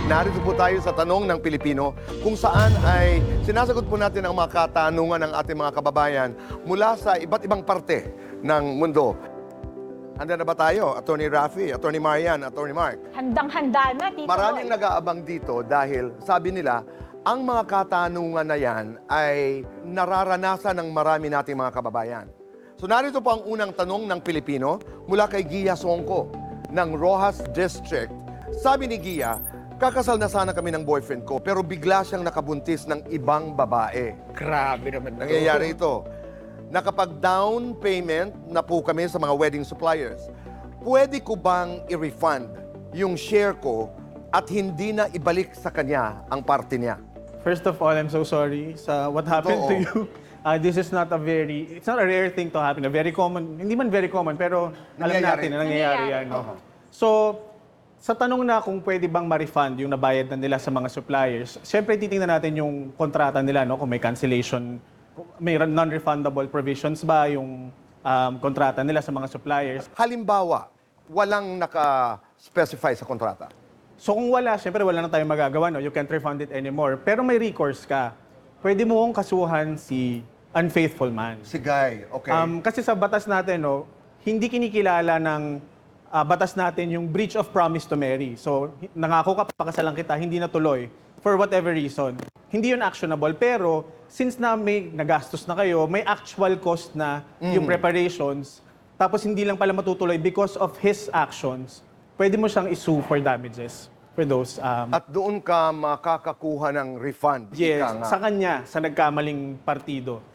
Narito po tayo sa Tanong ng Pilipino kung saan ay sinasagot po natin ang mga katanungan ng ating mga kababayan mula sa iba't ibang parte ng mundo. Handa na ba tayo? Attorney Rafi, Attorney Marian, Attorney Mark. Handang-handa na, Tito Maraming Boy. nag-aabang dito dahil sabi nila, ang mga katanungan na yan ay nararanasan ng marami nating mga kababayan. So narito po ang unang tanong ng Pilipino mula kay Gia Songko ng Rojas District. Sabi ni Gia, kakasal na sana kami ng boyfriend ko pero bigla siyang nakabuntis ng ibang babae. Grabe naman to. Nangyayari ito. Nakapag-down payment na po kami sa mga wedding suppliers. Pwede ko bang i-refund yung share ko at hindi na ibalik sa kanya ang parte niya? First of all, I'm so sorry sa what happened to you. This is not it's not a rare thing to happen. A very common, hindi man very common, pero alam Nangyayari. natin na nangyayari yan. So, sa tanong na kung pwede bang ma-refund yung nabayad na nila sa mga suppliers, syempre titingnan natin yung kontrata nila, no? Kung may cancellation, may non-refundable provisions ba yung kontrata nila sa mga suppliers. Halimbawa, walang naka-specify sa kontrata. So kung wala, syempre wala na tayong magagawa, no? You can't refund it anymore. Pero may recourse ka. Pwede mo kong kasuhan si unfaithful man. Si Guy, okay. Kasi sa batas natin, no, hindi kinikilala ng batas natin yung breach of promise to marry. So, nangako ka, pakasalan kita, hindi natuloy, for whatever reason. Hindi yun actionable, pero since na may nagastos na kayo, may actual cost na yung preparations, tapos hindi lang pala matutuloy because of his actions, pwede mo siyang isue for damages for those. At doon ka makakakuha ng refund. Yes, Ika nga. sa kanya, sa nagkamaling partido.